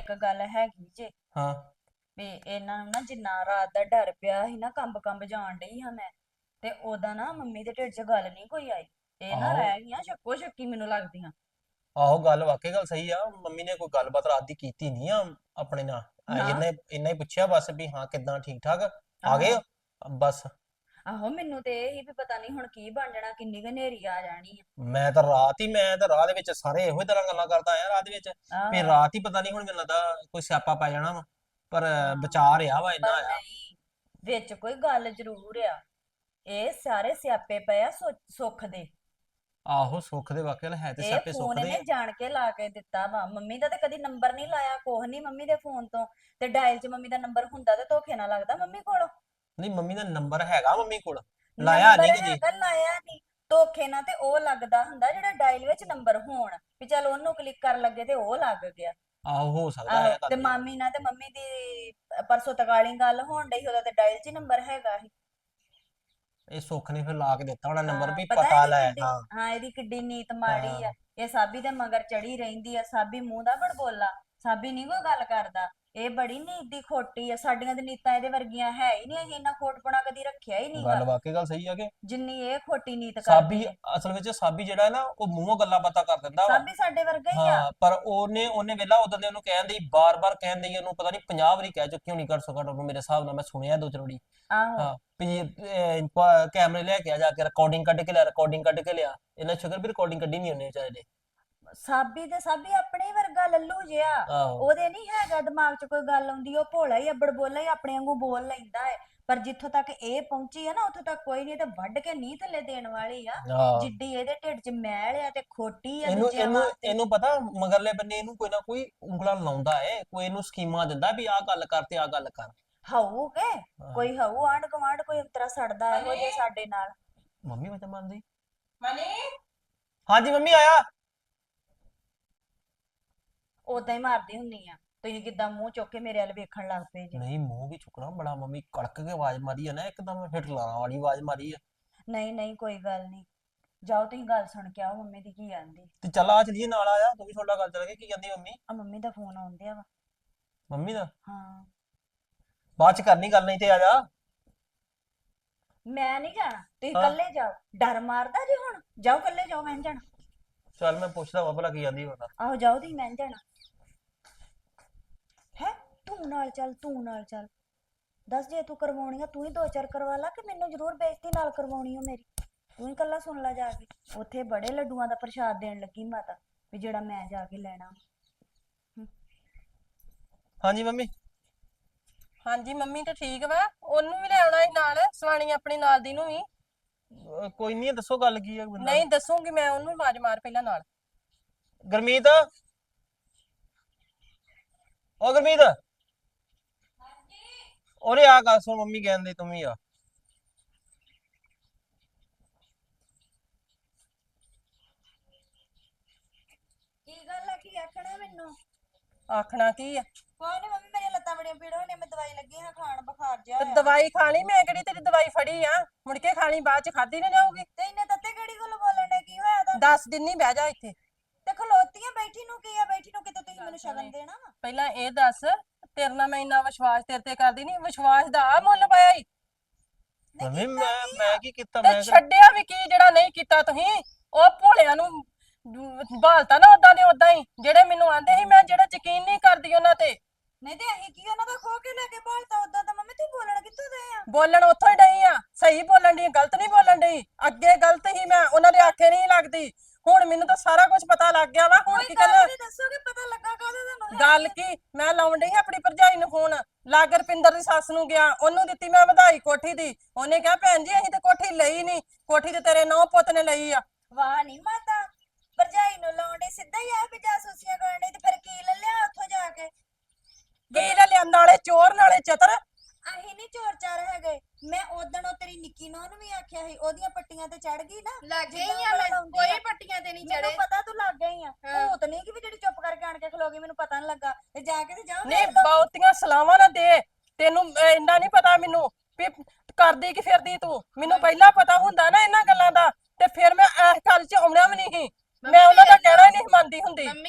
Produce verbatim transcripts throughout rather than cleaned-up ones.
ਇੱਕ ਗੱਲ ਹੈਗੀ ਜੇ ਹਾਂ। ਵੀ ਇਹਨਾਂ ਨੂੰ ਨਾ ਜਿੰਨਾ ਰਾਤ ਦਾ ਡਰ ਪਿਆ ਸੀ ਨਾ ਕੰਬ ਕੰਬ ਜਾਣ ਡਈ ਹਾਂ ਮੈਂ ਤੇ ਉਹਦਾ ਨਾ ਮੰਮੀ ਦੇ ਢਿੱਡ 'ਚ ਗੱਲ ਨਹੀਂ ਕੋਈ ਆਈ। ਇਹ ਨਾ ਆਹੋ ਰਹਿ ਗਈਆਂ ਸ਼ੱਕੋ ਸ਼ੱਕੀ ਮੈਨੂੰ ਲੱਗਦੀਆਂ। ਆਹੋ ਗੱਲ ਵਾਕਈ ਗੱਲ ਸਹੀ ਆ। ਮੰਮੀ ਨੇ ਕੋਈ ਗੱਲਬਾਤ ਰਾਤ ਦੀ ਕੀਤੀ ਨਹੀਂ ਆ ਆਪਣੇ ਨਾਲ। ਆ ਨਾ ਇਹਨੇ ਇੰਨਾ ਹੀ ਪੁੱਛਿਆ ਬਸ ਵੀ ਹਾਂ ਕਿੱਦਾਂ ਠੀਕ ਠਾਕ ਆ ਗਏ ਆਹੋ ਹੋ? ਬਸ। ਆਹੋ ਮੈਨੂੰ ਤੇ ਇਹ ਹੀ ਵੀ ਪਤਾ ਨਹੀਂ ਹੁਣ ਕੀ ਬਣ ਜਾਣਾ ਕਿੰਨੀ ਕੁ ਹਨੇਰੀ ਆ ਜਾਣੀ ਮੈਂ ਤਾਂ ਰਾਤ ਹੀ ਮੈਂ ਤਾਂ ਰਾਹ ਦੇ ਵਿੱਚ ਸਾਰੇ ਇਹੋ ਹੀ ਤਰ੍ਹਾਂ ਗੱਲਾਂ ਕਰਦਾ ਆਇਆ ਰਾਤ ਦੇ ਵਿੱਚ ਆ ਵੀ ਆਹੋ ਰਾਤ ਹੀ ਪਤਾ ਨਹੀਂ ਹੁਣ ਮੈਨੂੰ ਲੱਗਦਾ ਕੋਈ ਸਿਆਪਾ ਪੈ ਜਾਣਾ ਵਾ। ਪਰ ਹਾਂ ਬਚਾ ਰਿਹਾ ਵਾ ਇੰਨਾ ਪਰ ਆ। ਨਹੀਂ ਵਿੱਚ ਕੋਈ ਗੱਲ ਜ਼ਰੂਰ ਆ। ਇਹ ਸਾਰੇ ਸਿਆਪੇ ਪਏ ਆ ਸੁ- ਸੁੱਖ ਦੇ। ਆਹੋ ਸੁੱਖ ਦੇ ਵਾਕਿਆ ਹੈ ਤੇ ਇਹ ਸਿਆਪੇ ਸੁੱਖ ਫੋਨ ਦੇ ਇਹਨੇ ਆ। ਜਾਣ ਕੇ ਲਾ ਕੇ ਦਿੱਤਾ ਵਾ ਮੰਮੀ ਦਾ ਤੇ ਕਦੀ ਨੰਬਰ ਨਹੀਂ ਲਾਇਆ ਕੋਹ ਨਹੀਂ ਮੰਮੀ ਦੇ ਫੋਨ ਤੋਂ ਤੇ ਡਾਇਲ 'ਚ ਮੰਮੀ ਦਾ ਨੰਬਰ ਹੁੰਦਾ ਤੇ ਧੋਖੇ ਨਾਲ ਲੱਗਦਾ ਮੰਮੀ ਕੋਲ। ਨਹੀਂ ਮੰਮੀ ਦਾ ਨੰਬਰ ਹੈਗਾ ਮੰਮੀ ਕੋਲ। ਲਾਇਆ ਨੰਬਰ ਨਹੀਂ ਕਿ ਜੀ। ਹੈਗਾ ਲਾਇਆ ਨਹੀਂ ਧੋਖੇ ਨਾਲ ਤੇ ਉਹ ਲੱਗਦਾ ਹੁੰਦਾ ਜਿਹੜਾ ਡਾਇਲ ਵਿੱਚ ਨੰਬਰ ਹੋਣ ਵੀ ਚੱਲ ਉਹਨੂੰ ਕਲਿੱਕ ਕਰਨ ਲੱਗੇ ਤੇ ਉਹ ਲੱਗ ਗਿਆ। ਆਹੋ ਹੋ ਸਕਦਾ ਆਹੋ ਹੈ ਤੇ ਗੱਲ ਇਹ। ਮਾਮੀ ਨਾਲ ਤੇ ਮੰਮੀ ਦੀ ਪਰਸੋਂ ਤਕਾਲੀ ਗੱਲ ਹੋਣ ਡਈ ਉਹਦਾ ਤੇ ਡਾਇਲ 'ਚ ਨੰਬਰ ਹੈਗਾ ਸੀ। ਇਹ ਸੁੱਖ ਨੇ ਫਿਰ ਲਾ ਕੇ ਦਿੱਤਾ ਹੋਣਾ ਨੰਬਰ ਹਾਂ ਵੀ ਪਤਾ ਪਤਾ ਇਹਦੀ ਲੈ। ਕਿੱਡੀ ਹਾਂ ਹਾਂ ਇਹਦੀ ਕਿੱਡੀ ਨੀਤ ਮਾੜੀ ਆ। ਹਾਂ। ਇਹ ਸਾਬੀ ਦੇ ਮਗਰ ਚੜੀ ਰਹਿੰਦੀ ਆ ਸਾਬੀ ਮੂੰਹ ਦਾ ਬੜਬੋਲਾ। ਸਾਬੀ ਨਹੀਂ ਕੋਈ ਗੱਲ ਕਰਦਾ। ਇਹ ਬੜੀ ਨੀਤ ਦੀ ਖੋਟੀ ਆ ਸਾਡੀਆਂ ਤੇ ਨੀਤਾਂ ਇਹਦੇ ਵਰਗੀਆਂ ਹੈ ਹੀ ਨਹੀਂ ਅਸੀਂ ਇੰਨਾ ਖੋਟਪਣਾ ਕਦੀ ਰੱਖਿਆ ਹੀ ਨਹੀਂਗਾ ਗੱਲ ਵਾਕਈ ਗੱਲ ਸਹੀ ਆ ਕਿ ਜਿੰਨੀ ਇਹ ਖੋਟੀ ਨੀਤ ਸਾਬੀ ਕਰਦੀ ਆ। ਅਸਲ ਵਿੱਚ ਸਾਬੀ ਜਿਹੜਾ ਹੈ ਨਾ ਉਹ ਮੂੰਹੋਂ ਗੱਲਾਂ ਬਾਤਾਂ ਕਰ ਦਿੰਦਾ ਵਾ। ਸਾਬੀ ਸਾਡੇ ਵਰਗਾ ਹੀ ਆ। ਹਾਂ ਪਰ ਉਹਨੇ ਉਹਨੇ ਵੇਲਾ ਉਦੋਂ ਦੇ ਉਹਨੂੰ ਕਹਿਣ ਦੀ ਬਾਰ-ਬਾਰ ਕਹਿਣ ਦੀ ਉਹਨੂੰ ਪਤਾ ਨਹੀਂ ਪੰਜਾਹ ਵਾਰੀ ਕਹਿ ਚੁੱਕੀ ਹੋਣੀ ਘੱਟ ਸੋ ਘੱਟ ਉਹਨੂੰ ਮੇਰੇ ਹਿਸਾਬ ਨਾਲ ਮੈਂ ਸੁਣਿਆ ਦੋ ਚਰੋੜੀ। ਆਹੋ ਹਾਂ ਵੀ ਅਹ, ਪ- ਕੈਮਰੇ ਲੈ ਕੇ ਆ ਜਾ ਕੇ ਰਿਕਾਰਡਿੰਗ ਕੱਢ ਕੇ ਲਿਆ ਰਿਕਾਰਡਿੰਗ ਕੱਢ ਕੇ ਲਿਆ। ਇਹਨਾਂ ਸ਼ੁਕਰ ਵੀ ਰਿਕਾਰਡਿੰਗ ਕੱਢੀ ਨਹੀਂ ਉਹਨੇ ਵਿਚਾਰੇ ਨੇ। ਸਾਬੀ ਤੇ ਸਾਬੀ ਆਪਣੇ ਹੀ ਵਰਗਾ ਲੱਲੂ ਜਿਹਾ। ਆਹੋ ਉਹਦੇ ਨਹੀਂ ਹੈਗਾ ਦਿਮਾਗ 'ਚ ਕੋਈ ਗੱਲ ਆਉਂਦੀ ਉਹ ਭੋਲਾ ਹੀ ਅੱਬੜ ਬੋਲਾ ਹੀ ਆਪਣੇ ਵਾਂਗੂ ਬੋਲ ਲੈਂਦਾ ਹੈ। ਪਰ ਜਿੱਥੋਂ ਤੱਕ ਇਹ ਪਹੁੰਚੀ ਹੈ ਨਾ ਉੱਥੋਂ ਤੱਕ ਕੋਈ ਨਹੀਂ ਤੇ ਵੱਢ ਕੇ ਨੀ ਥੱਲੇ ਦੇਣ ਵਾਲੀ ਆ। ਹਾਂ। ਜਿੱਡੀ ਇਹਦੇ ਢਿੱਡ 'ਚ ਮੈਲ ਆ ਤੇ ਖੋਟੀ ਆ ਇਹਨੂੰ ਦੂਜਿਆਂ ਇਹਨੂੰ ਵਾਸਤੇ। ਇਹਨੂੰ ਪਤਾ ਮਗਰਲੇ ਬੰਨੇ ਇਹਨੂੰ ਕੋਈ ਨਾ ਕੋਈ ਉਂਗਲਾਂ ਲਾਉਂਦਾ ਏ ਕੋਈ ਇਹਨੂੰ ਸਕੀਮਾਂ ਦਿੰਦਾ ਵੀ ਆਹ ਗੱਲ ਕਰ ਤੇ ਆਹ ਗੱਲ ਕਰ। ਹਊ ਕੇ ਹਾਂ। ਕੋਈ ਹਊ ਆਂਢ ਗੁਆਂਢ ਕੋਈ ਅੰਤਰਾ ਸੜਦਾ ਇਹੋ ਜੇ ਸਾਡੇ ਨਾਲ। ਮੰਮੀ ਮੈਂ ਤਾਂ ਮੰਨਦੀ। ਮਨੀ ਹਾਂਜੀ ਮੰਮੀ ਆਇਆ। ਉਦਾਂ ਹੀ ਮਾਰਦੀ ਹੁੰਨੀ ਆ ਤੁਸੀਂ ਕਿੱਦਾਂ ਮੂੰਹ ਚੁੱਕ ਕੇ ਮੇਰੇ ਵੱਲ ਵੇਖਣ ਲੱਗ ਪਏ ਜੇ। ਨਹੀਂ ਮੂੰਹ ਵੀ ਚੁੱਕਣਾ ਬੜਾ ਮੰਮੀ ਕੜਕ ਕੇ ਆਵਾਜ਼ ਮਾਰੀ ਆ ਨਾ ਇੱਕਦਮ ਹਿਟਲਾਣਾ ਵਾਲੀ ਆਵਾਜ਼ ਮਾਰੀ ਆ। ਨਹੀਂ ਨਹੀਂ ਕੋਈ ਗੱਲ ਨਹੀਂ ਜਾਓ ਤੁਸੀਂ ਗੱਲ ਸੁਣ ਕੇ ਆਓ ਮੰਮੀ ਦੀ ਕੀ ਆਂਦੀ। ਤੇ ਚੱਲ ਆ ਚਲੀਏ ਨਾਲ ਆਇਆ ਤੂੰ ਵੀ ਥੋੜਾ ਗੱਲ ਚੱਲ ਕੇ ਕੀ ਕਹਿੰਦੀ ਮੰਮੀ। ਆ ਮੰਮੀ ਦਾ ਫੋਨ ਆਉਂਦਿਆ ਵਾ। ਮੰਮੀ ਦਾ ਹਾਂ ਬਾਅਦ ਚ ਕਰਨੀ ਗੱਲ ਨਹੀਂ ਤੇ ਆ ਜਾ। ਮੈਂ ਨਹੀਂ ਜਾਣਾ ਤੁਸੀਂ ਹਾਂ ਇਕੱਲੇ ਜਾਓ। ਡਰ ਮਾਰਦਾ ਜੇ ਹੁਣ ਜਾਓ ਇਕੱਲੇ ਜਾਓ ਮੈਂ ਨੀ ਜਾਣਾ। ਚੱਲ ਮੈਂ ਪੁੱਛਦਾ ਵਾ ਭਲਾ ਕੀ ਕਹਿੰਦੀ ਉਹਦਾ। ਆਹੋ ਜਾਓ ਤੁਸੀਂ ਮੈਂ ਨੀ ਜਾਣਾ। ਹੈ ਤੂੰ ਨਾਲ ਚੱਲ ਤੂੰ ਨਾਲ ਚੱਲ। ਦੱਸ ਜੇ ਤੂੰ ਕਰਵਾਉਣੀ ਆ ਤੂੰ ਹੀ ਦੋ ਚਾਰ ਕਰਵਾ ਲਾ ਕਿ ਮੈਨੂੰ ਜ਼ਰੂਰ ਬੇਇੱਜ਼ਤੀ ਨਾਲ ਕਰਵਾਉਣੀ ਓ ਮੇਰੀ। ਤੂੰ ਹੀ ਇਕੱਲਾ ਸੁਣ ਲੈ ਜਾ ਕੇ ਉੱਥੇ ਬੜੇ ਲੱਡੂਆਂ ਦਾ ਪ੍ਰਸ਼ਾਦ ਦੇਣ ਲੱਗੀ ਮਾਤਾ ਵੀ ਜਿਹੜਾ ਮੈਂ ਜਾ ਕੇ ਲੈਣਾ। ਹਮ, ਹਾਂਜੀ ਮੰਮੀ। ਹਾਂਜੀ ਮੰਮੀ ਤੇ ਠੀਕ ਵਾ ਉਹਨੂੰ ਵੀ ਲੈ ਆਉਣਾ ਸੀ ਨਾਲ ਸਵਾਣੀ ਆਪਣੀ ਨਾਲ ਦੀ ਨੂੰ ਵੀ। ਅਹ ਕੋਈ ਨਹੀਂ ਦੱਸੋ ਗੱਲ ਕੀ ਆ ਬੰਦਾ। ਨਹੀਂ ਦੱਸੂਗੀ ਮੈਂ ਉਹਨੂੰ ਆਵਾਜ਼ ਮਾਰ ਪਹਿਲਾਂ ਨਾਲ। ਗੁਰਮੀਤ ਓ ਗੁਰਮੀਤ ਉਹਨੇ ਆ ਗੱਲ ਸੁਣ ਮੰਮੀ ਕਹਿੰਦੇ ਤੂੰ ਵੀ ਆ। ਕੀ ਗੱਲ ਆ ਕੀ ਆਖਣਾ ਮੈਨੂੰ। ਆਖਣਾ ਕੀ ਆ ਕੋਈ ਨਹੀਂ ਮੰਮੀ ਮੇਰੀਆਂ ਲੱਤਾਂ ਬੜੀਆਂ ਪੀੜ ਹੋਣੀਆਂ ਮੈਂ ਦਵਾਈ ਲੱਗੀ ਹਾਂ ਖਾਣ ਬੁਖਾਰ ਜਿਹਾ ਤੇ ਹੋਇਆ। ਦਵਾਈ ਖਾਣੀ ਮੈਂ ਕਿਹੜੀ ਤੇਰੀ ਦਵਾਈ ਫੜੀ ਆ ਮੁੜ ਕੇ ਖਾਣੀ ਬਾਅਦ ਚ ਖਾਦੀ ਨਾ ਜਾਊਗੀ। ਤੇ ਇਹਨੇ ਤੱਤੇ ਕਿਹੜੀ ਗੱਲ ਬੋਲਣ ਦੇ ਕੀ ਹੋਇਆ ਤੁਹਾਨੂੰ। ਦਸ ਦਿਨ ਨਹੀਂ ਬਹਿ ਜਾ ਇੱਥੇ। ਤੇ ਖਲੋਤੀਆਂ ਬੈਠੀ ਨੂੰ ਕੀ ਆ ਬੈਠੀ ਨੂੰ ਕਿਤੇ ਤੁਸੀਂ ਮੈਨੂੰ ਸ਼ਗਨ ਦੇਣਾ ਵਾ। ਪਹਿਲਾਂ ਇਹ ਦੱਸ ਤੇਰੇ ਨਾਲ ਮੈਂ ਇੰਨਾ ਵਿਸ਼ਵਾਸ ਤੇਰੇ ਤੇ ਕਰਦੀ ਨਹੀਂ ਵਿਸ਼ਵਾਸ ਦਾ ਆ ਮੁੱਲ ਪਾਇਆ ਈ। ਨਹੀਂ ਮੰਮੀ ਕੀਤਾ ਮੈਂ ਕੀ ਆ। ਮੈਂ ਕੀ ਕੀਤਾ ਤੇ ਮੈਂ ਕਿਹੜਾ- ਛੱਡਿਆ ਵੀ ਕੀ ਜਿਹੜਾ ਨਹੀਂ ਕੀਤਾ ਤੁਸੀਂ ਉਹ ਭੋਲਿਆਂ ਨੂੰ ਬਾਲਤਾ ਨਾ ਉਦਾਂ ਦੇ ਉਦਾਂ ਹੀ ਜਿਹੜੇ ਮੈਨੂੰ ਆਂਦੇ ਸੀ ਮੈਂ ਜਿਹੜਾ ਯਕੀਨ ਨਹੀਂ ਕਰਦੀ ਉਹਨਾਂ ਤੇ। ਨਹੀਂ ਤੇ ਅਸੀਂ ਕੀ ਉਹਨਾਂ ਦਾ ਖੋ ਕੇ ਲੈ ਕੇ ਭਾਲਤਾ ਉਦਾਂ ਤਾਂ ਮੰਮੀ ਤੂੰ ਬੋਲਣ ਕਿੱਥੋਂ ਦੇ ਆ। ਬੋਲਣ ਉੱਥੋਂ ਹੀ ਡਈ ਆ ਸਹੀ ਬੋਲਣ ਦੀ ਗਲਤ ਨਹੀਂ ਬੋਲਣ ਡਈ। ਅੱਗੇ ਗਲਤ ਹੀ ਮੈਂ ਉਹਨਾਂ ਦੇ ਆਖੇ ਨਹੀਂ ਲੱਗਦੀ ਹੁਣ ਮੈਨੂੰ ਤਾਂ ਸਾਰਾ ਕੁਝ ਪਤਾ ਲੱਗ ਗਿਆ ਵਾ ਹੁਣ ਕੀ ਗੱਲ ਕਰਨਾ। ਨਹੀਂ ਦੱਸੋਗੇ ਪਤਾ ਲੱਗਾ ਕਾਹਦਾ ਤੁਹਾਨੂੰ। ਗੱਲ ਕੀ ਮੈਂ ਲਾਉਣ ਡਈ ਸੀ ਆਪਣੀ ਭਰਜਾਈ ਨੂੰ ਫੋਨ ਲਾਗ ਰਪਿੰਦਰ ਦੀ ਸੱਸ ਨੂੰ ਗਿਆ ਉਹਨੂੰ ਦਿੱਤੀ ਮੈਂ ਵਧਾਈ ਕੋਠੀ ਦੀ ਉਹਨੇ ਕਿਹਾ ਭੈਣ ਜੀ ਅਸੀਂ ਤੇ ਕੋਠੀ ਲਈ ਨਹੀਂ ਕੋਠੀ ਤੇ ਤੇਰੇ ਨੌ ਪੁੱਤ ਨੇ ਲਈ ਆ। ਵਾਹ ਨਹੀਂ ਮਾਤਾ ਭਰਜਾਈ ਨੂੰ ਲਾਉਂਦੇ ਸਿੱਧਾ ਹੀ ਆ ਵੀ ਜਾਸੂਸੀਆਂ ਕਰਨ ਡਈ ਤੇ ਫਿਰ ਕੀ ਲੈ ਲਿਆ ਉੱਥੋਂ ਜਾ ਕੇ। ਕੀ ਲੈ ਲਿਆਂਦਾ ਨਾਲੇ ਚੋਰ ਨਾਲੇ ਚਤਰ। ਅਸੀਂ ਨਹੀਂ ਚੋਰ ਚਾਰ ਹੈਗੇ ਮੈਂ ਉਦਣ ਉਹ ਤੇਰੀ ਨਿੱਕੀ ਨੂੰਹ ਨੂੰ ਵੀ ਆਖਿਆ ਸੀ ਉਹਦੀਆਂ ਪੱਟੀਆਂ ਤੇ ਚੜ ਗਈ ਨਾ। ਲੱਗ ਗਈ ਜਿੱਦਾਂ ਆ ਮੈਂ ਲਾਉਂਦੀ ਕੋਈ ਆ। ਪੱਟੀਆਂ ਤੇ ਨਹੀਂ ਮੈਨੂੰ ਚੜੇ। ਪਤਾ ਤੂੰ ਲੱਗ ਗਈ ਆ ਹਾਂ। ਭੂਤ ਨਹੀਂ ਕਿ ਵੀ ਜਿਹੜੀ ਚੁੱਪ ਕਰਕੇ ਆਣ ਕੇ ਖਲੋ ਗਈ ਮੈਨੂੰ ਪਤਾ ਨਹੀਂ ਲੱਗਾ ਤੇ ਜਾ ਕੇ ਤੇ ਜਾਓ ਨਹੀਂ ਦੇਖ ਲਓ। ਬਹੁਤੀਆਂ ਸਲਾਵਾਂ ਨਾ ਦੇ ਤੈਨੂੰ ਅਹ, ਇੰਨਾ ਨਹੀਂ ਪਤਾ ਮੈਨੂੰ ਵੀ ਕਰਦੀ ਕੀ ਫਿਰਦੀ ਤੂੰ ਮੈਨੂੰ ਪਹਿਲਾਂ ਪਤਾ ਹੁੰਦਾ ਨਾ ਇਹਨਾਂ ਗੱਲਾਂ ਦਾ ਤੇ ਫਿਰ ਮੈਂ ਇਸ ਗੱਲ 'ਚ ਆਉਣਾ ਵੀ ਨਹੀਂ ਸੀ। ਮੈਂ ਉਹਨਾਂ ਦਾ ਕਹਿਣਾ ਹੀ ਨਹੀਂ ਮੰਨਦੀ ਹੁੰਦੀ। ਮੰਮੀ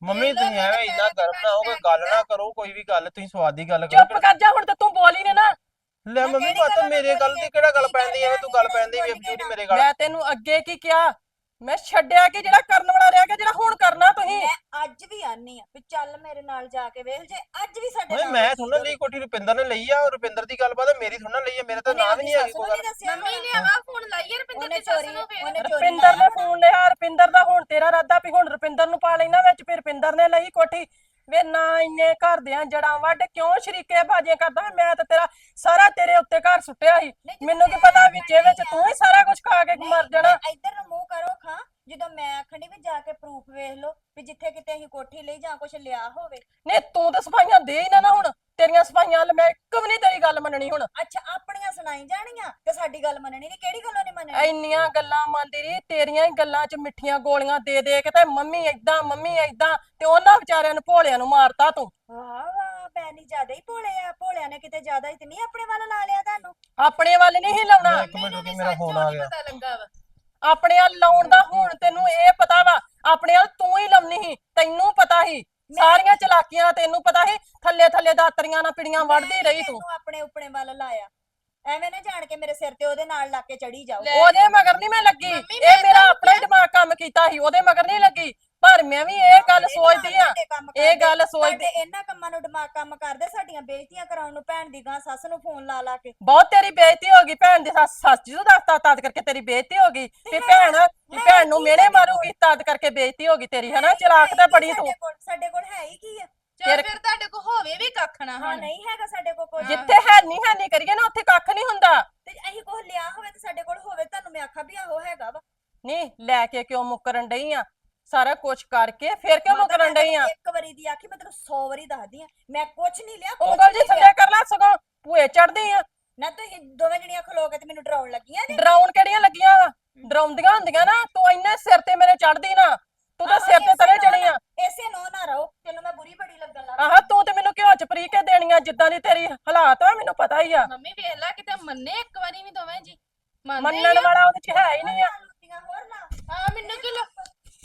ਮੰਮੀ ਤੁਸੀਂ ਐਵੇਂ ਇੰਨਾ ਗਰਮ ਨਾ ਹੋ ਕੋਈ ਗੱਲ ਨਾ ਕਰੋ, ਕੋਈ ਵੀ ਗੱਲ ਤੁਸੀਂ ਸਵਾਦ ਦੀ ਗੱਲ ਚੁੱਪ ਕਰੋ। ਕਰ ਜਾ ਹੁਣ ਤੇ ਤੂੰ ਬੋਲੀ ਨੇ ਨਾ। ਲੈ ਮੈਂ ਮੰਮੀ ਕਿਹੜੀ ਪਤਾ ਗੱਲੋਂ ਮੇਰੇ ਨਾ ਗੱਲ ਬੋਲੀ ਦੀ ਐ? ਕਿਹੜਾ ਗੱਲ ਕੀ ਪੈਂਦੀ ਐ, ਕਰ ਤੂੰ ਲਿਆ ਗੱਲ ਨੀ, ਪੈਂਦੀ ਵੀ ਬੋਲੀ ਬਜੂਰੀ ਨਾ। ਮੇਰੇ ਗੱਲ। ਮੈਂ ਤੈਨੂੰ ਅੱਗੇ ਕੀ ਕਿਹਾ? ਮੈਂ ਛੱਡਿਆ ਕਿ ਜਿਹੜਾ ਕਰਨ ਵਾਲਾ ਰਹਿ ਗਿਆ, ਜਿਹੜਾ ਹੁਣ ਕਰਨਾ ਤੁਸੀਂ। ਮੈਂ ਅੱਜ ਵੀ ਆਨੀ ਆ ਵੀ ਚੱਲ ਮੇਰੇ ਨਾਲ ਜਾ ਕੇ ਵੇਖ ਜੇ ਅੱਜ ਵੀ ਸਾਡੇ ਓਏ ਨਾਲ ਮੈਂ ਉਹ ਥੋੜਾ ਚੀਜ਼ ਲਈ ਹੋਵੇ। ਕੋਠੀ ਰੁਪਿੰਦਰ ਨੇ ਲਈ ਆ, ਰੁਪਿੰਦਰ ਦੀ ਗੱਲ ਬਾਤ ਮੇਰੀ ਥੋੜਾ ਲਈ ਆ, ਮੇਰੇ ਤਾਂ ਉਹਨੇ ਨਾਂ ਵੀ ਆਪਣੀ ਨਹੀਂ ਹੈਗੀ ਸੱਸ ਕੋਈ ਨੂੰ ਗੱਲ। ਨਹੀਂ ਦੱਸਿਆ ਮੰਮੀ ਹੋਣਾ। ਨੇ ਆਵਾ ਫੋਨ ਲਾਈਏ ਰਪਿੰਦਰ ਉਹਨੇ ਦੀ ਸੱਸ ਚੋਰੀ ਨੂੰ ਫੇਰ ਉਹਨੇ ਚੋਰੀ ਰੁਪਿੰਦਰ ਲਾਇਆ ਨੇ ਹੋਣਾ। ਫੋਨ ਲਿਆ, ਰੁਪਿੰਦਰ ਦਾ ਹੁਣ ਤੇਰਾ ਇਰਾਦਾ ਵੀ ਹੁਣ ਰੁਪਿੰਦਰ ਨੂੰ ਪਾ ਲੈਣਾ ਵਿੱਚ, ਫਿਰ ਰੁਪਿੰਦਰ ਨੇ ਲਈ ਕੋਠੀ। ਵੇ ਨਾ ਇੰਨੇ ਘਰ ਦਿਆਂ ਜੜਾਂ ਵੱਢ ਕਿਉਂ ਸ਼ਰੀਕੇ ਬਾਜੀਆਂ ਕਰਦਾ? ਮੈਂ ਤਾਂ ਤੇਰਾ ਸਾਰਾ ਤੇਰੇ ਉੱਤੇ ਘਰ ਸੁੱਟਿਆ ਸੀ। ਨਹੀਂ, ਜਦੋਂ ਮੈਨੂੰ ਕੀ ਮੈਂ ਪਤਾ ਵਿੱਚੇ ਵਿੱਚ ਆਖਣ ਤੂੰ ਹੀ ਸਾਰਾ ਕੁਝ ਖਾ ਕੇ ਨਹੀਂ, ਮਰ ਜਾਣਾ। ਮੈਂ ਇੱਧਰ ਨੂੰ ਮੂੰਹ ਕਰੋ ਖਾਂ ਜਦੋਂ ਮੈਂ ਆਖਣੀ ਵੀ ਜਾ ਕੇ ਪ੍ਰੂਫ ਵੇਖ ਲਓ ਵੀ ਜਿੱਥੇ ਕਿਤੇ ਅਸੀਂ ਕੋਠੀ ਲਈ ਜਾਂ ਕੁਝ ਲਿਆ ਹੋਵੇ। ਨਹੀਂ ਤੂੰ ਤਾਂ ਸਫਾਈਆਂ ਦੇ ਹੀ ਨਾ ਨਾ ਹੁਣ, ਤੇਰੀਆਂ ਸਫਾਈਆਂ ਵੱਲ ਮੈਂ ਇੱਕ ਵੀ ਨਹੀਂ ਤੇਰੀ ਗੱਲ ਮੰਨਣੀ ਹੁਣ। ਅੱਛਾ ਆਪਣੀਆਂ ਸੁਣਾਈ ਜਾਣੀਆਂ ਤੇ ਸਾਡੀ ਗੱਲ ਮੰਨਣੀ ਨਹੀਂ, ਕਿਹੜੀ ਗੱਲੋਂ ਨਹੀਂ ਮੰਨਣੀ? ਇੰਨੀਆਂ ਗੱਲਾਂ ਮੰਨਦੀ ਰਹੀ, ਤੇਰੀਆਂ ਹੀ ਗੱਲਾਂ 'ਚ ਮਿੱਠੀਆਂ ਗੋਲੀਆਂ ਦੇ ਦੇ ਕੇ ਤੇ ਮੰਮੀ ਏਦਾਂ ਮੰਮੀ ਏਦਾਂ, ਤੇ ਉਹਨਾਂ ਵਿਚਾਰਿਆਂ ਨੂੰ ਭੋਲਿਆਂ ਨੂੰ ਮਾਰਤਾ ਤੂੰ। ਵਾਹ ਵਾਹ ਪੈਣੀ ਜ਼ਿਆਦਾ ਹੀ ਭੋਲੇ ਆ, ਭੋਲਿਆਂ ਨੇ ਕਿਤੇ ਜ਼ਿਆਦਾ ਹੀ ਤੇ ਨਹੀਂ ਆਪਣੇ ਵੱਲ ਲਾ ਲਿਆ ਤੁਹਾਨੂੰ। ਆਪਣੇ ਵੱਲ ਨਹੀਂ ਹੀ ਲਾਉਣਾ, ਇੱਕ ਮਿੰਟ ਰੁਕੀ, ਮੇਰਾ ਫੋਨ ਆ ਗਿਆ। ਪਤਾ ਲੱਗਾ ਵਾ। ਆਪਣੇ ਵੱਲ ਲਾਉਣ ਦਾ ਹੁਣ ਤੈਨੂੰ ਇਹ ਪਤਾ ਵਾ, ਆਪਣੇ ਵੱਲ ਤੂੰ ਹੀ ਲਾਉਣੀ ਸੀ, ਤੈਨੂੰ ਪਤਾ ਸੀ ਸਾਰੀਆਂ ਚਲਾਕੀਆਂ, ਤੈਨੂੰ ਪਤਾ ਸੀ ਥੱਲੇ ਥੱਲੇ ਦਾਤਰੀਆਂ ਨਾਲ ਪਿੜੀਆਂ ਵੜਦੀ ਰਹੀ ਤੂੰ। ਤੈਨੂੰ ਆਪਣੇ ਉਪਣੇ ਵੱਲ ਲਾਇਆ, ਐਵੇਂ ਨਾ ਜਾਣ ਕੇ ਮੇਰੇ ਸਿਰ ਤੇ ਉਹਦੇ ਨਾਲ ਲਾ ਕੇ ਚੜੀ ਜਾਓ। ਉਹਦੇ ਮਗਰ ਨਹੀਂ ਮੈਂ ਲੱਗੀ, ਮੰਮੀ, ਇਹ ਮੈਂ ਮੇਰਾ ਤਾਂ ਆਪਣਾ ਹੀ ਦਿਮਾਗ ਕੰਮ ਕੀਤਾ ਸੀ, ਉਹਦੇ ਮਗਰ ਨਹੀਂ ਲੱਗੀ। ਪਰ ਮੈਂ ਵੀ ਇਹ ਗੱਲ ਸੋਚਦੀ ਆ, ਤੁਹਾਡੇ ਕੰਮ ਇਹ ਕਰਦੇ, ਗੱਲ ਸੋਚਦੀ ਤੁਹਾਡੇ ਇਹਨਾਂ ਕੰਮਾਂ ਨੂੰ ਦਿਮਾਗ ਕੰਮ ਕਰਦੇ, ਸਾਡੀਆਂ ਬੇਇੱਜ਼ਤੀਆਂ ਕਰਾਉਣ ਨੂੰ ਭੈਣ ਦੀ ਗਾਂ ਸੱਸ ਨੂੰ ਫੋਨ ਲਾ ਲਾ ਕੇ। ਬਹੁਤ ਤੇਰੀ ਬੇਇੱਜ਼ਤੀ ਹੋ ਗਈ ਭੈਣ ਦੀ ਸੱਸ ਸੱਸ ਜੀ ਨੂੰ ਦੱਸਤਾ ਤਦ ਕਰਕੇ ਤੇਰੀ ਬੇਇੱਜ਼ਤੀ ਹੋ ਗਈ, ਤੇ ਭੈਣ ਵੀ ਭੈਣ ਨੂੰ ਮਿਹਣੇ ਮਾਰੂਗੀ ਤਦ ਕਰਕੇ ਬੇਇੱਜ਼ਤੀ ਹੋ ਗਈ ਤੇਰੀ, ਹਨਾ? ਚਲਾਕ ਤੇ ਬੜੀ ਤੂੰ। ਸਾਡੇ ਕੋਲ ਸਾਡੇ ਕੋਲ ਹੈ ਹੀ ਕੀ ਆ? ਚੱਲ ਫਿਰ ਤੁਹਾਡੇ ਕੋ ਹੋਵੇ ਵੀ ਕੱਖ ਨਾ ਹਾਂ ਹੁਣ। ਨਹੀਂ ਹੈਗਾ ਸਾਡੇ ਕੋਲ ਕੋਈ। ਜਿੱਥੇ ਹੈ ਨਹੀਂ ਹੈ ਨਹੀਂ ਕਰੀਏ ਨਾ ਉੱਥੇ ਕੱਖ ਨਹੀਂ ਹੁੰਦਾ। ਤੇ ਅਸੀਂ ਕੁਝ ਲਿਆ ਹੋਵੇ ਤੇ ਸਾਡੇ ਕੋਲ ਹੋਵੇ, ਤੁਹਾਨੂੰ ਮੈਂ ਆਖਾਂ ਵੀ ਆਹੋ ਹੈਗਾ ਵਾ। ਨਹੀਂ ਲੈ ਕੇ ਕਿਉਂ ਮੁੱਕਰਨ ਡਈ ਆ? ਸਾਰਾ ਕੁਝ ਕਰਕੇ ਫਿਰ ਕਿਉਂ ਮੁੱਕਰਨ ਡਈ ਆ? ਇੱਕ ਵਾਰੀ ਦੀ ਆਖੀ ਮੈਂ ਤੈਨੂੰ ਸੌ ਵਾਰੀ ਦੱਸਦੀ ਆ, ਮੈਂ ਕੁਝ ਨਹੀਂ ਲਿਆ। ਕੁਛ ਉਂਗਲ ਜੀ ਨਹੀਂ ਥੱਲੇ ਲਿਆ। ਕਰ ਲੈ, ਸਗੋਂ ਭੂਏ ਚੜਦੀ ਆ। ਨਾ ਤੁਸੀਂ ਦੋਵੇਂ ਜਣੀਆਂ ਖਲੋ ਕੇ ਤੇ ਮੈਨੂੰ ਡਰਾਉਣ ਲੱਗੀਆਂ ਜੇ। ਡਰਾਉਣ ਕਿਹੜੀਆਂ ਲੱਗੀਆਂ ਵਾ? ਡਰਾਉਂਦੀਆਂ ਹੁੰਦੀਆਂ ਨਾ, ਤੂੰ ਇੰਨੇ ਸਿਰ ਤੇ ਮੇਰੇ ਚੜਦੀ ਨਾ, ਤੂੰ ਤਾਂ ਸਿਰ ਤੇ ਤਰੇ ਚੜੀ ਆ। ਇਸੇ ਨੋ ਨਾ ਰਹੋ, ਤੈਨੂੰ ਮੈਂ ਬੁਰੀ ਬੜੀ ਲੱਗਣ ਲੱਗ ਆਹ ਤੂੰ ਤੇ ਮੈਨੂੰ ਘਿਓ ਚ ਪਰੀ ਕੇ ਦੇਣੀਆਂ, ਜਿੱਦਾਂ ਦੀ ਤੇਰੀ ਹਾਲਾਤ ਆ ਮੈਨੂੰ ਪਤਾ ਹੀ ਆ। ਮੰਮੀ ਵੇਖ ਲੈ ਕਿਤੇ ਮੰਨੇ ਇੱਕ ਵਾਰੀ ਵੀ ਦੋਵੇਂ ਜੀ ਮੰਨਦੇ ਮੰਨਣ ਵਾਲਾ ਉਹਦੇ ਚ ਹੈ ਹੀ ਨਹੀਂ ਆ। ਲੁੱਟੀਆਂ ਹੋਰ ਨਾ। ਆ ਮੈਨੂੰ ਕਿ ਲੋ-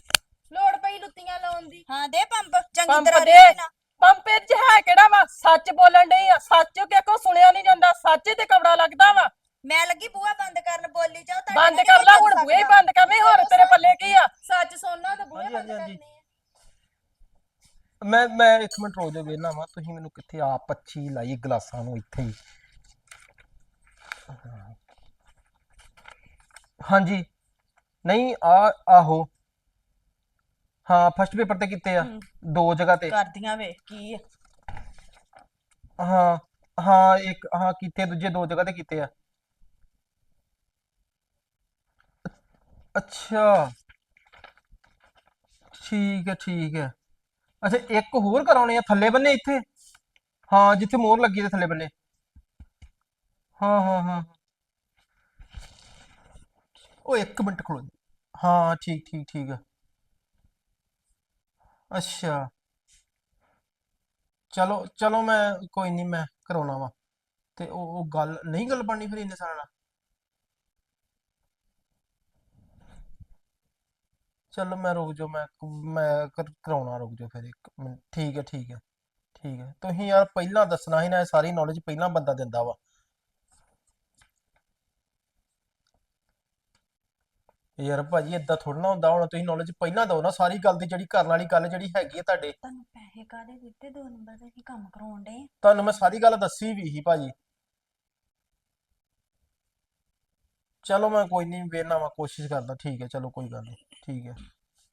ਲੋੜ ਪਈ ਲੁੱਤੀਆਂ ਲਾਉਣ ਦੀ। ਹਾਂ ਦੇ ਪੰਪ ਚੰਗੀ ਪੰਪ ਤਰ੍ਹਾਂ ਦੇ ਦੇ ਨਾ। ਪੰਪੇ ਚ ਹੈ ਕਿਹੜਾ ਵਾ? ਸੱਚ ਬੋਲਣ ਡਈ ਆ, ਸੱਚ ਕਿ ਕੋ ਸੁਣਿਆ ਨਹੀਂ ਜਾਂਦਾ, ਸੱਚ ਹੀ ਤੇ ਕਬੜਾ ਲੱਗਦਾ ਵਾ। ਮੈਂ ਲੱਗੀ ਬੂਹਾ ਬੰਦ ਕਰਨ, ਬੋਲੀ ਜਾਓ। ਤੁਹਾਡੇ ਬੰਦ ਨਾਲ ਕਰ ਨਹੀਂ ਲੈ ਚੱਲ ਹੁਣ, ਬੂਹੇ ਹੀ ਸਕਦਾ। ਬੰਦ ਕਰਨੇ, ਹੋਰ ਤੇਰੇ ਪੱਲੇ ਕੀ ਆ? ਸੱਚ ਸੁਣਨਾ ਤਾਂ ਬੂਹੇ ਹਾਂਜੀ, ਬੰਦ ਹਾਂਜੀ, ਹਾਂਜੀ। ਕਰਨੇ ਆ। ਮੈਂ ਮੈਂ ਇੱਕ ਮਿੰਟ ਰੁਕ ਜਾਓ, ਵੇਖਣਾ ਵਾ ਤੁਸੀਂ ਮੈਨੂੰ ਕਿੱਥੇ ਆ ਪੱਛੀ ਲਾਈ ਗਲਾਸਾਂ ਨੂੰ ਇੱਥੇ ਹੀ। ਹਾਂਜੀ ਨਹੀਂ ਆ ਆਹੋ ਹਾਂ ਫਸਟ ਪੇਪਰ ਤੇ ਕੀਤੇ ਆ, ਦੋ ਜਗ੍ਹਾ ਤੇ। ਕਰਦੀਆਂ ਵੇਖ ਕੀ ਆ। ਹਾਂ ਹਾਂ ਇੱਕ ਹਾਂ ਕੀਤੇ, ਦੂਜੇ ਦੋ ਜਗ੍ਹਾ ਤੇ ਕੀਤੇ ਆ। ਅੱਛਾ ਠੀਕ ਹੈ ਠੀਕ ਹੈ। ਅੱਛਾ ਇੱਕ ਹੋਰ ਕਰਾਉਣੇ ਆ ਥੱਲੇ ਬੰਨੇ ਇੱਥੇ, ਹਾਂ ਜਿੱਥੇ ਮੋਹਰ ਲੱਗੀ ਤੇ ਥੱਲੇ ਬੰਨੇ। ਹਾਂ ਹਾਂ ਹਾਂ ਉਹ ਇੱਕ ਮਿੰਟ ਖੜੋ ਜੀ। ਹਾਂ ਠੀਕ ਠੀਕ ਠੀਕ ਆ। ਅੱਛਾ ਚਲੋ ਚਲੋ ਮੈਂ ਕੋਈ ਨਹੀਂ ਮੈਂ ਕਰਾਉਣਾ ਵਾ। ਤੇ ਉਹ ਉਹ ਗੱਲ ਨਹੀਂ ਗੱਲ ਬਣਨੀ ਫਿਰ ਇੰਨੇ ਸਾਲਾਂ ਨਾਲ। ਚਲੋ ਮੈਂ ਰੁਕ ਜਾਓ, ਮੈਂ ਮੈਂ ਕਰ- ਕਰਾਉਣਾ, ਰੁਕ ਜਾਓ ਫਿਰ ਇੱਕ ਮਿੰਟ। ਠੀਕ ਹੈ ਠੀਕ ਹੈ ਠੀਕ ਹੈ। ਤੁਸੀਂ ਯਾਰ ਪਹਿਲਾਂ ਦੱਸਣਾ ਸੀ ਨਾ, ਇਹ ਸਾਰੀ ਨੌਲੇਜ ਪਹਿਲਾਂ ਬੰਦਾ ਦਿੰਦਾ ਵਾ। ਯਾਰ ਭਾਜੀ ਏਦਾਂ ਥੋੜਾ ਨਾ ਹੁੰਦਾ, ਹੁਣ ਤੁਸੀਂ ਨੌਲੇਜ ਪਹਿਲਾਂ ਦਿਓ ਨਾ ਸਾਰੀ ਗੱਲ ਦੀ, ਜਿਹੜੀ ਕਰਨ ਵਾਲੀ ਗੱਲ ਜਿਹੜੀ ਹੈਗੀ ਹੈ ਤੁਹਾਡੇ। ਤੁਹਾਨੂੰ ਪੈਸੇ ਕਾਦੇ ਦਿੱਤੇ? ਦੋ ਨੰਬਰ ਦਾ ਕੀ ਕੰਮ ਕਰਾਉਣ ਦੇ? ਤੁਹਾਨੂੰ ਮੈਂ ਸਾਰੀ ਗੱਲ ਦੱਸੀ ਵੀ ਸੀ ਭਾਜੀ। ਚਲੋ ਮੈਂ ਕੋਈ ਨਹੀਂ ਵੇਖਣਾ ਵਾ, ਕੋਸ਼ਿਸ਼ ਕਰਦਾ। ਠੀਕ ਹੈ ਚਲੋ ਕੋਈ ਗੱਲ ਨਹੀਂ, ਠੀਕ ਹੈ।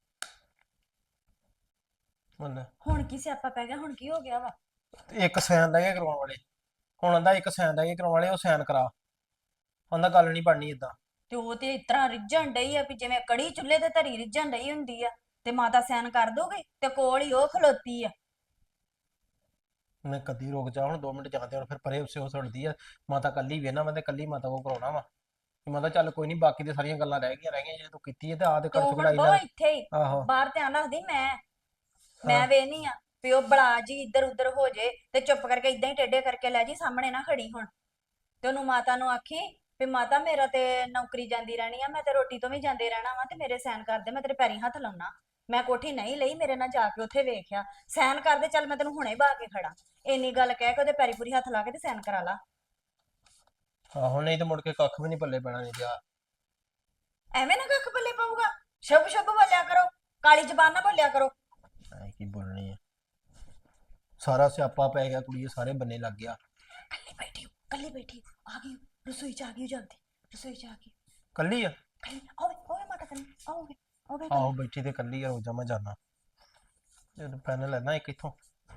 ਮੰਨ ਹੁਣ ਕੀ ਸਿਆਪਾ ਪੈ ਗਿਆ? ਹੁਣ ਕੀ ਹੋ ਗਿਆ ਵਾ? ਇੱਕ ਸਾਈਨ ਰਹਿ ਗਏ ਕਰਵਾਉਣ ਵਾਲੇ, ਹੁਣ ਆਂਦਾ ਇੱਕ ਸਾਈਨ ਰਹਿ ਗਏ ਕਰਵਾਉਣ ਵਾਲੇ, ਉਹ ਸਾਈਨ ਕਰਾ। ਆਂਦਾ ਗੱਲ ਨਹੀਂ ਬਣਨੀ ਇਦਾਂ। ਤੇ ਉਹ ਤੇ ਇਸ ਤਰ੍ਹਾਂ ਰਿੱਝਣ ਡਈ ਆ ਵੀ ਜਿਵੇਂ ਕੜੀ ਚੁੱਲ੍ਹੇ ਤੇ ਧਰੀ ਰਿੱਝਣ ਡਈ ਹੁੰਦੀ ਆ, ਤੇ ਮਾਤਾ ਸੈਨ ਕਰ ਦੋਗੇ ਤੇ ਕੋਲ ਹੀ ਉਹ ਖਲੋਤੀ ਆ। ਮੈਂ ਕਦੀ ਰੁਕ ਜਾ, ਹੁਣ ਦੋ ਮਿੰਟ ਜਾਂਦੇ ਹੁਣ ਫਿਰ ਪਰੇ ਉਸੇ ਹੋ ਸੁਣਦੀ ਆ। ਮਾਤਾ ਕੱਲੀ ਵੇਨਾ ਮੈਂ ਤੇ ਕੱਲੀ ਮਾਤਾ ਕੋ ਕਰਾਉਣਾ ਵਾ। ਮਾਤਾ ਚੱਲ ਕੋਈ ਨਹੀਂ, ਬਾਕੀ ਤੇ ਸਾਰੀਆਂ ਗੱਲਾਂ ਰਹਿ ਗਈਆਂ ਰਹਿ ਗਈਆਂ, ਜੇ ਤੂੰ ਕੀਤੀ ਹੈ ਤੇ ਆਹ ਤੇ ਤੂੰ ਕਰ ਹੁਣ ਚੁਗੜਾਈ ਬਹੁ ਲੈ। ਇੱਥੇ ਹੀ ਆਹੋ ਬਾਹਰ ਧਿਆਨ ਰੱਖਦੀ। ਮੈਂ ਮੈਂ ਵੇਹਨੀ ਆ ਵੀ ਉਹ ਬਲਾ ਜੀ ਇੱਧਰ ਉੱਧਰ ਹੋ ਜੇ ਤੇ ਚੁੱਪ ਕਰਕੇ ਇਦਾਂ ਹੀ ਟੇਢੇ ਕਰਕੇ ਲੈ ਜੀ, ਸਾਹਮਣੇ ਨਾ ਖੜੀ ਹੁਣ। ਤੇ ਉਹਨੂੰ ਮਾਤਾ ਨੂੰ ਆਖੀ ਵੀ ਮਾਤਾ ਮੇਰਾ ਤੇ ਨੌਕਰੀ ਜਾਂਦੀ ਰਹਿਣੀ ਆ, ਮੈਂ ਤੇ ਰੋਟੀ ਤੋਂ ਵੀ ਜਾਂਦੇ ਰਹਿਣਾ ਵਾ, ਤੇ ਮੇਰੇ ਸੈਨ ਕਰ ਦੇ, ਮੈਂ ਤੇਰੇ ਪੈਰੀ ਹੱਥ ਲਾਉਣਾ। ਮੈਂ ਕੋਠੀ ਨਹੀਂ ਲਈ, ਮੇਰੇ ਨਾਲ ਜਾ ਕੇ ਉੱਥੇ ਵੇਖਿਆ। ਸਾਈਨ ਕਰ ਦੇ, ਚੱਲ ਮੈਂ ਤੈਨੂੰ ਹੁਣੇ ਬਾ ਕੇ ਖੜਾ। ਇੰਨੀ ਗੱਲ ਕਹਿ ਕੇ ਉਹਦੇ ਪੈਰੀ ਪੂਰੀ ਹੱਥ ਲਾ ਕੇ ਤੇ ਸਾਈਨ ਕਰਾ ਲਾ। ਆਹੋ ਨਹੀਂ ਤੇ ਮੁੜ ਕੇ ਕੱਖ ਵੀ ਨਹੀਂ ਪੱਲੇ ਪੈਣਾ ਨਹੀਂ ਪਿਆ। ਐਵੇਂ ਨਾ ਕੱਖ ਪੱਲੇ ਪਊਗਾ। ਸ਼ੁਭ ਸ਼ੁਭ ਬੋਲਿਆ ਕਰੋ, ਕਾਲੀ ਜ਼ਬਾਨ ਨਾ ਬੋਲਿਆ ਕਰੋ। ਐ ਕੀ ਬੋਲਣੀ ਆ, ਸਾਰਾ ਸਿਆਪਾ ਪੈ ਗਿਆ ਕੁੜੀਏ, ਸਾਰੇ ਬੰਨੇ ਲੱਗ ਗਿਆ। ਕੱਲੀ ਬੈਠੀ ਹੋ, ਕੱਲੀ ਬੈਠੀ ਹੋ। ਆ ਗਈ ਰਸੋਈ ਚ, ਆ ਗਈ ਜਲਦੀ ਰਸੋਈ ਚ ਆ ਗਈ। ਕੱਲੀ ਆ? ਕੱਲੀ ਆਵੇ ਆਵੇ ਮਾਤਾ ਕੰਨੀ ਆਓਗੇ ਆਓਗੇ। ਆਹੋ ਬੈਠੀ ਤੇ ਕੱਲੀ ਆ, ਰੋਜ਼ਾ ਮੈਂ ਜਾਣਾ। ਜਦੋਂ ਪੈਨ ਲੈਣਾ ਇੱਕ ਇੱਥੋਂ।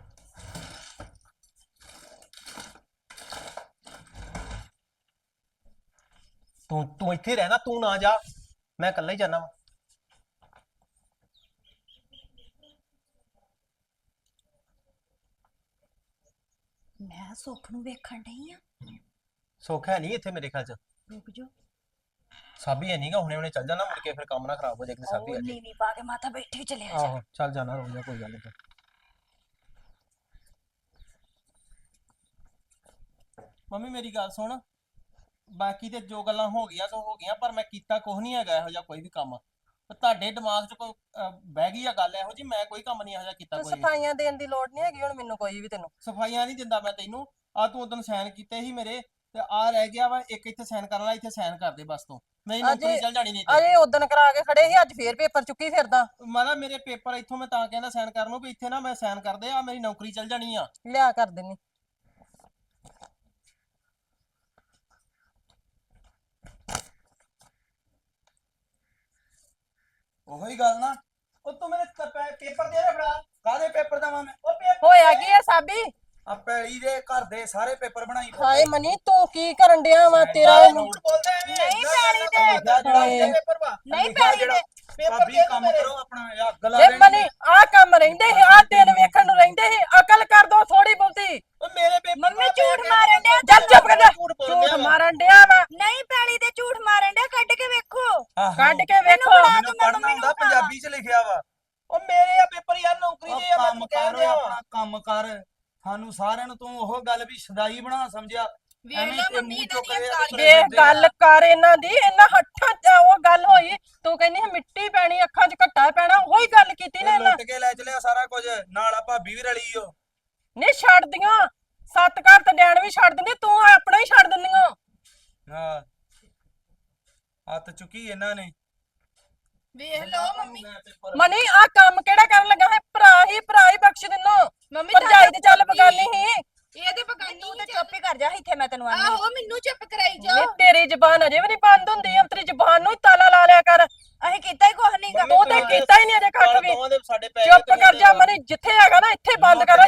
ਤੂੰ ਤੂੰ ਇੱਥੇ ਰਹਿਣਾ, ਤੂੰ ਨਾ ਜਾ, ਮੈਂ ਇਕੱਲਾ ਹੀ ਜਾਣਾ ਵਾ। ਮੈਂ ਸੁੱਖ ਨੂੰ ਵੇਖਣ ਡਈ ਆ। ਸੁੱਖ ਹੈ ਨਹੀਂ ਇੱਥੇ ਮੇਰੇ ਖਿਆਲ ਚ। ਰੁਕ ਜਾ। ਸਾਬੀ ਹੈ ਨਹੀਂਗਾ, ਹੁਣੇ ਹੁਣੇ ਚੱਲ ਜਾਣਾ, ਮੁੜ ਕੇ ਫਿਰ ਕੰਮ ਨਾ ਖਰਾਬ ਹੋ ਜਾਏ ਕਿ ਸਾਬੀ ਆ ਉਹ ਜਾਏ। ਨੀਵੀਂ ਪਾ ਕੇ ਮਾਤਾ ਬੈਠੀ ਚਲਿਆ ਜਾ। ਆਹੋ ਚੱਲ ਜਾਣਾ, ਰੁਕ ਜਾ, ਕੋਈ ਗੱਲ ਨਹੀਂ। ਮੰਮੀ ਮੇਰੀ ਗੱਲ ਸੁਣ, ਬਾਕੀ ਤੇ ਜੋ ਗੱਲਾਂ ਹੋ ਗਈਆਂ ਸੋ ਹੋ ਗਈਆਂ, ਪਰ ਮੈਂ ਕੀਤਾ ਕੁਝ ਨਹੀਂ ਹੈਗਾ ਇਹੋ ਜਿਹਾ ਕੋਈ ਵੀ ਕੰਮ। ਤੇ ਤੁਹਾਡੇ ਦਿਮਾਗ 'ਚ ਕੋਈ ਅਹ, ਬਹਿ ਗਈ ਆ ਗੱਲ ਇਹੋ ਜੀ, ਮੈਂ ਕੋਈ ਕੰਮ ਨਹੀਂ ਇਹੋ ਜਿਹਾ ਕੀਤਾ ਤੂੰ ਕੋਈ ਵੀ। ਸਫਾਈਆਂ ਦੇਣ ਦੀ ਲੋੜ ਨਹੀਂ ਹੈਗੀ ਹੁਣ ਮੈਨੂੰ ਕੋਈ ਵੀ ਤੈਨੂੰ। ਸਫਾਈਆਂ ਨਹੀਂ ਦਿੰਦਾ ਮੈਂ ਤੈਨੂੰ। ਆ ਤੂੰ ਉਦੋਂ ਸਾਈਨ ਕੀਤੇ ਸੀ ਮੇਰੇ, ਤੇ ਆ ਰਹਿ ਗਿਆ ਵਾ ਇੱਕ ਇੱਥੇ ਸਾਈਨ ਕਰਨ ਵਾਲਾ, ਇੱਥੇ ਸਾਈਨ ਕਰ ਦੇ ਬਸ। ਤੂੰ ਮੇਰੀ ਨੌਕਰੀ ਚੱਲ ਜਾਣੀ ਨਹੀਂ ਤੇ। ਅਜੇ ਉਦੋਂ ਕਰਾ ਕੇ ਖੜੇ ਸੀ, ਅੱਜ ਫੇਰ ਪੇਪਰ ਚੁੱਕੀ ਫਿਰਦਾ। ਮਾਰਾ ਮੇਰੇ ਪੇਪਰ ਇੱਥੋਂ ਮੈਂ ਤਾਂ ਕਹਿੰਦਾ ਸਾਈਨ ਕਰਨ ਨੂੰ ਵੀ ਇੱਥੇ ਨਾ ਮੈਂ ਸਾਈਨ ਕਰਦੇ ਆ, ਮੇਰੀ ਨੌਕਰੀ ਚੱਲ ਜਾਣੀ ਆ। ਲਿਆ ਕਰ ਦੇਣੀ। ਉਹੀ ਗੱਲ ਨਾ। ਉਹ ਤੂੰ ਮੇਰੇ ਪੇਪਰ ਦੇ ਰਿਹਾ ਫੜਾ। ਕਾਹਦੇ ਪੇਪਰ ਦਵਾਂ ਮੈਂ? ਉਹ ਪੇਪਰ ਹੋਇਆ ਕੀ ਆ ਸਾਬੀ? ਆ ਪੈਲੀ ਦੇ ਘਰ ਦੇ ਸਾਰੇ ਪੇਪਰ ਬਣਾਈ ਫਿਰਦੇ। ਹਾਏ ਮਨੀ ਤੂੰ ਕੀ ਕਰਨ ਡਿਆ ਵਾ? ਤੇਰਾ ਝੂਠ ਬੋਲਦਾ ਐਵੇਂ। ਨਹੀਂ ਪੈਲੀ ਦੇ ਲਿਖਿਆ ਜਿਹੜਾ ਹਾਏ। ਪੇਪਰ ਵਾ ਨਹੀਂ ਲਿਖਿਆ ਪੈਲੀ ਜਿਹੜਾ। ਦੇ ਪੇਪਰ ਭਾਬੀ ਦੇ ਕੰਮ ਮੇਰੇ। ਕਰੋ ਆਪਣਾ, ਇਹ ਅੱਗ ਲਾ ਇਹ ਦੇਣੀ ਮਨੀ ਆ ਕੰਮ ਰਹਿੰਦੇ ਸੀ, ਆ ਦਿਨ ਵੇਖਣ ਨੂੰ ਰਹਿੰਦੇ ਸੀ। ਅਕਲ ਕਰ ਦੋ ਥੋੜੀ ਬਹੁਤੀ। ਉਹ ਮੇਰੇ ਪੇਪਰ ਮੰਮੀ ਝੂਠ ਮਾਰਨ ਡਿਆ। ਚੱਲ ਚੁੱਪ ਕਰ ਜਾ। ਝੂਠ ਝੂਠ ਬੋਲਦਾ ਵਾ। ਮਾਰਨ ਡਿਆ ਵਾ। ਨਹੀਂ ਪੈਲੀ ਦੇ ਝੂਠ ਮਾਰਨ ਡਿਆ, ਕੱਢ ਕੇ ਵੇਖੋ। ਆਹੋ। ਕੱਢ ਕੇ ਵੇਖੋ। ਬਣਾ ਮੈਨੂੰ ਪੜ੍ਹਨਾ ਹੁੰਦਾ, ਪੰਜਾਬੀ ਚ ਲਿਖਿਆ ਵਾ। ਉਹ ਮੇਰੇ ਆ ਪੇਪਰ ਯਾਰ, ਨੌਕਰੀ ਉਹ ਦੇ ਆ, ਮੈਂ ਕੰਮ ਤੈਨੂੰ ਕਹਿ ਕਰ ਰਿਹਾ ਆਪਣਾ ਵਾ। ਕੰਮ ਕਰ। ਸਾਨੂੰ ਸਾਰਿਆਂ ਨੂੰ ਤੂੰ ਉਹ ਗੱਲ ਵੀ ਸਦਾਈ ਬਣਾ ਸਮਝਿਆ। ਵੇਖ ਐਵੇਂ ਲਓ ਤੇ ਮੰਮੀ ਮੂੰਹ ਇਹਨਾਂ ਚੁੱਕ ਦੀਆਂ ਕੇ ਕਾਲੀਆਂ। ਤੁਰੇ ਵੇਖ ਫਿਰਦੇ ਆ। ਗੱਲ ਕਰ ਇਹਨਾਂ ਦੀ, ਇਹਨਾਂ ਹੱਥਾਂ 'ਚ ਉਹ ਗੱਲ ਹੋਈ। ਤੂੰ ਕਹਿੰਦੀ ਸੀ ਮਿੱਟੀ ਪੈਣੀ, ਅੱਖਾਂ 'ਚ ਘੱਟਾ ਪੈਣਾ, ਉਹੀ ਗੱਲ ਕੀਤੀ ਨਾ ਇਹ ਇਹਨਾਂ। ਲੁੱਟ ਕੇ ਲੈ ਚਲਿਆ ਸਾਰਾ ਕੁਝ, ਨਾਲ ਆ ਭਾਬੀ ਵੀ ਰਲੀ ਓ। ਨਹੀਂ ਛੱਡਦੀਆਂ, ਸੱਤ ਘਰ ਤੇ ਡੈਣ ਵੀ ਛੱਡ ਦਿੰਦੀ, ਤੂੰ ਆਪਣਾ ਹੀ ਛੱਡ ਦਿੰਦੀਆਂ। ਹਾਂ ਹੱਥ ਚੁੱਕੀ ਇਹਨਾਂ ਨੇ। ਵੇਖ ਲਓ ਮੰਮੀ। ਮਨੀ ਆ ਕੰਮ ਕਿਹੜਾ ਕਰਨ ਲੱਗਾ ਹੈ? ਭਰਾ ਹੀ ਭਰਾ ਹੀ ਬਖਸ਼ ਦਿੰਨੋ। ਮੰਮੀ ਭਰਜਾਈ ਤੇ ਚੱਲ ਬਗਾਨੀ ਹੀ। ਇਹ ਤੇ ਬਗਾਨੀ ਤੂੰ ਤੇ ਹੀ ਚੁੱਪ ਹੀ ਕਰ ਜਾ, ਇੱਥੇ ਮੈਂ ਤੈਨੂੰ ਆਨੀ। ਆਹੋ ਮੈਨੂੰ ਚੁੱਪ ਕਰਾਈ ਨੀ ਜਾਓ। ਤੇਰੀ ਜ਼ਬਾਨ ਅਜੇ ਵੀ ਨਹੀਂ ਬੰਦ ਹੁੰਦੀ, ਅੰਤਰੀ ਜ਼ਬਾਨ ਨੂੰ ਹੀ ਤਾਲਾ ਲਾ ਲਿਆ ਕਰ। ਅਸੀਂ ਕੀਤਾ ਹੀ ਕੁਛ ਨਹੀਂਗਾ। ਤੂੰ ਤੇ ਕੀਤਾ ਹੀ ਨਹੀਂ ਅਜੇ ਕੱਖ ਵੀ। ਦੋਵਾਂ ਦੇ ਸਾਡੇ ਪੈ ਚੁੱਪ ਕਰ ਜਾ ਮਨੀ, ਜਿੱਥੇ ਹੈਗਾ ਨਾ ਇੱਥੇ ਬੰਦ ਕਰ